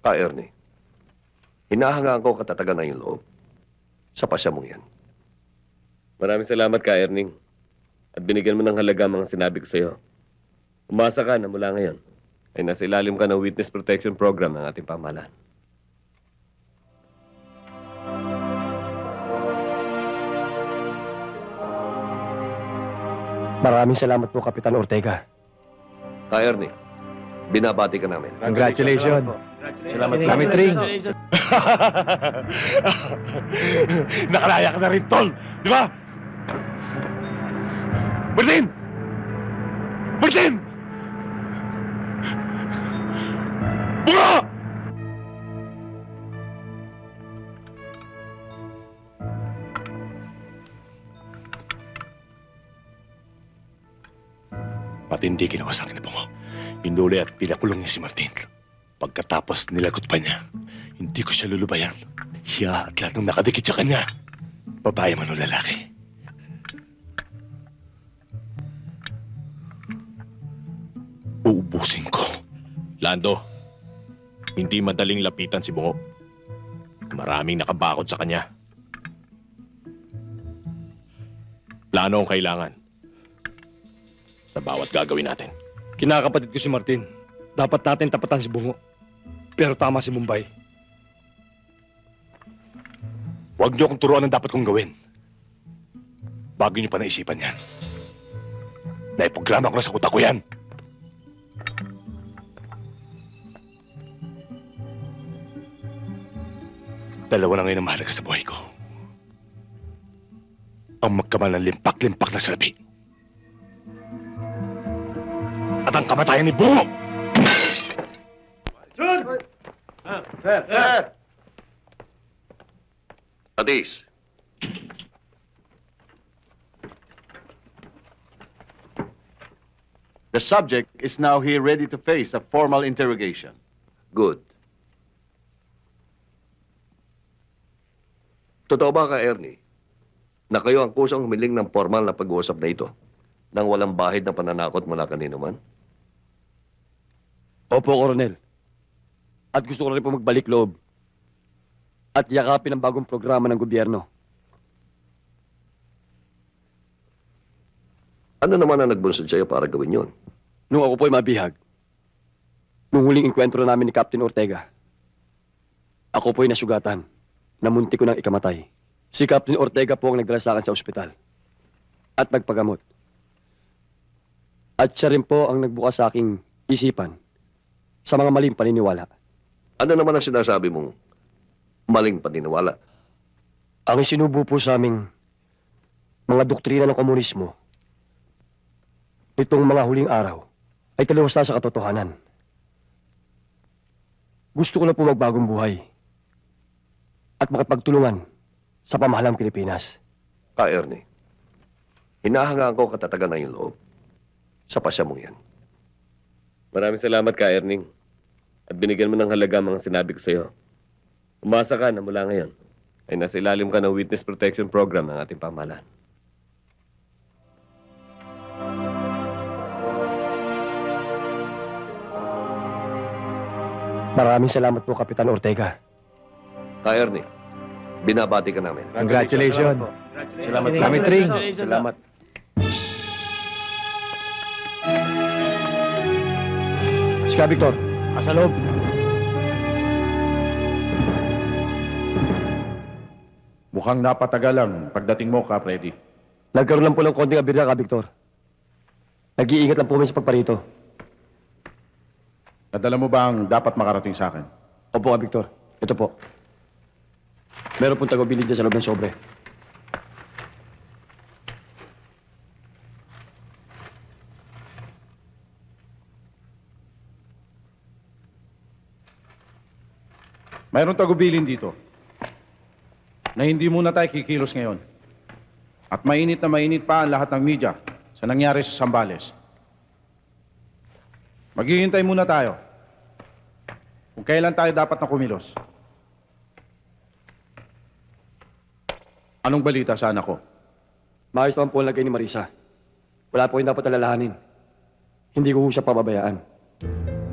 Ernie, hinahangaan ko katatagan ng iyong loob sa pasya mong yan. Maraming salamat ka, Erning. At binigyan mo ng halaga mga sinabi ko sa'yo. Umasa ka na mula ngayon ay nasa ilalim ka ng Witness Protection Program ng ating pamahalaan. Maraming salamat po, Kapitan Ortega. Ernie, binabati ka namin. Congratulations. Salamat, Salamat Ring. Nakalaya ka na rin, Tol! Di ba? Martin! Martin! Bunga! Pati hindi ginawa sa akin na Bunga. Pinuli at pinakulong niya si Martin. Pagkatapos nilagot pa niya, hindi ko siya lulubayan. Siya at lahat ng nakadikit sa kanya, babae man o lalaki. Uubusin ko. Lando, hindi madaling lapitan si Bungo. Maraming nakabakod sa kanya. Plano ang kailangan sa bawat gagawin natin. Kinakapatid ko si Martin. Dapat natin tapatan si Bungo. Pero tama si Mumbai. Huwag niyo akong turuan ang dapat kong gawin. Bago niyo pa naisipan yan. Naiprograma ko na sa utak ko yan. Dalawa na ngayon ang mahalaga sa buhay ko. Ang magkamal ng limpak-limpak na salapi. At ang kamatayan ni Bungo! Atis, The subject is now here ready to face a formal interrogation. good. Totoo ba ka, Ernie, na kayo ang kusang humiling ng formal na pag-uusap na ito nang walang bahid ng pananakot mula kanino man? Opo, Coronel. At gusto ko rin po magbalik loob. At yakapin ang bagong programa ng gobyerno. Ano naman ang nagbunsod sa'yo para gawin yon? Nung ako po'y mabihag, nung huling enkwentro namin ni Captain Ortega, ako po'y nasugatan, na munti ko nang ikamatay. Si Captain Ortega po ang nagdala sa akin sa ospital at nagpagamot. At siya rin po ang nagbukas sa aking isipan sa mga maling paniniwala. Ano naman ang sinasabi mong maling paniniwala? Ang isinubo po sa aming mga doktrina ng komunismo nitong mga huling araw ay taliwas na sa katotohanan. Gusto ko na po magbagong buhay at makipagtulungan sa pamahalang Pilipinas. Ernie, hinahangaan ko katatagan ng iyong loob sa pasya mong yan. Maraming salamat ka, Erning. At binigyan mo ng halaga mga sinabi ko sa'yo. Umasa ka na mula ngayon ay nasa ilalim ka ng Witness Protection Program ng ating pamahalaan. Maraming salamat po, Kapitan Ortega. Ernie, binabati ka namin. Congratulations. Salamat, Salamat Ring. Salamat. Sika, Victor. Asa loob. Mukhang napatagal ang pagdating mo, Kap Freddy. Nagkaroon lang po ng konting abirya ka, Victor. Nag-iingat lang po kami sa pagparito. Nadala mo ba ang dapat makarating sa akin? Opo ka, Victor. Ito po. Meron pong tagubilin dyan sa loob ng sobre. Mayroong tagubilin dito na hindi muna tayo kikilos ngayon. At mainit na mainit pa ang lahat ng media sa nangyari sa Zambales. Maghihintay muna tayo kung kailan tayo dapat na kumilos. Anong balita sa anak ko? Maayos naman po ang lagay ni Marisa. Wala po yung dapat alalahanin. Hindi ko siya pababayaan.